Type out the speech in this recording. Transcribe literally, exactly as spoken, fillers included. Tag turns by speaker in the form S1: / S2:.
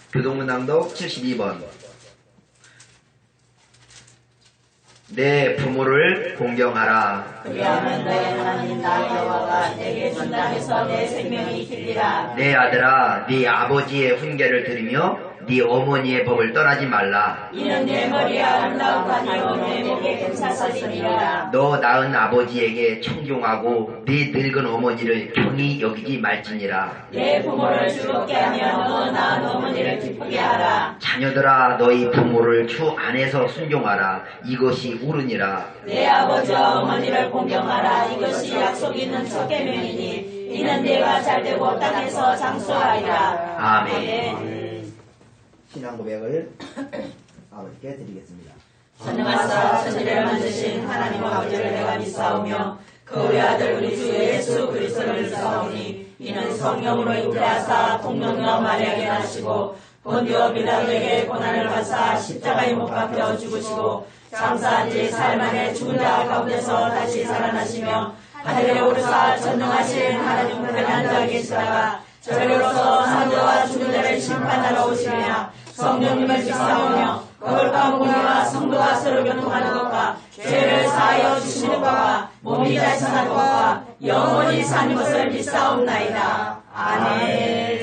S1: 교동문낭독 칠십이 번. 내 부모를 공경하라.
S2: 그리하면 너의 하나님 나 여호와가 내게 준 땅에서 내 생명이 길리라.
S1: 내 아들아, 네 아버지의 훈계를 들으며 네 어머니의 법을 떠나지 말라.
S2: 이는 내 머리에 아름다움하니요 내 목에 금사슬이니라.
S1: 너 낳은 아버지에게 청종하고 네 늙은 어머니를 경히 여기지 말지니라.
S2: 내 부모를 즐겁게 하며 너 낳은 어머니를 기쁘게 하라.
S1: 자녀들아, 너희 부모를 주 안에서 순종하라. 이것이 옳으니라.
S2: 내 아버지와 어머니를 공경하라. 이것이 약속 있는 첫 계명이니 이는 내가 잘되고 땅에서 장수하리라.
S1: 아멘.
S2: 아멘.
S1: 신앙 고백을 아버지께 드리겠습니다.
S2: 전능하사 천지를 만드신 하나님 아버지를 내가 믿사오며 그 우리 아들 우리 주 예수 그리스도를 믿사오니 이는 성령으로 잉태하사 동정녀 마리아에게 나시고 본디오 빌라도에게 고난을 받사 십자가에 못 박혀 죽으시고 장사한 지 사흘 만에 죽은 자 가운데서 다시 살아나시며 하늘에 오르사 전능하신 하나님 우편에 앉아 계시다가 저리로서 산자와 죽은 자를 심판하러 오시며 성령님을 믿사오며 거룩한 공의와 성도가 서로 교통하는 것과 죄를 사하여 주시는 것과 몸이 다시 사는 것과 영원히 사는 것을 믿사옵나이다. 아멘.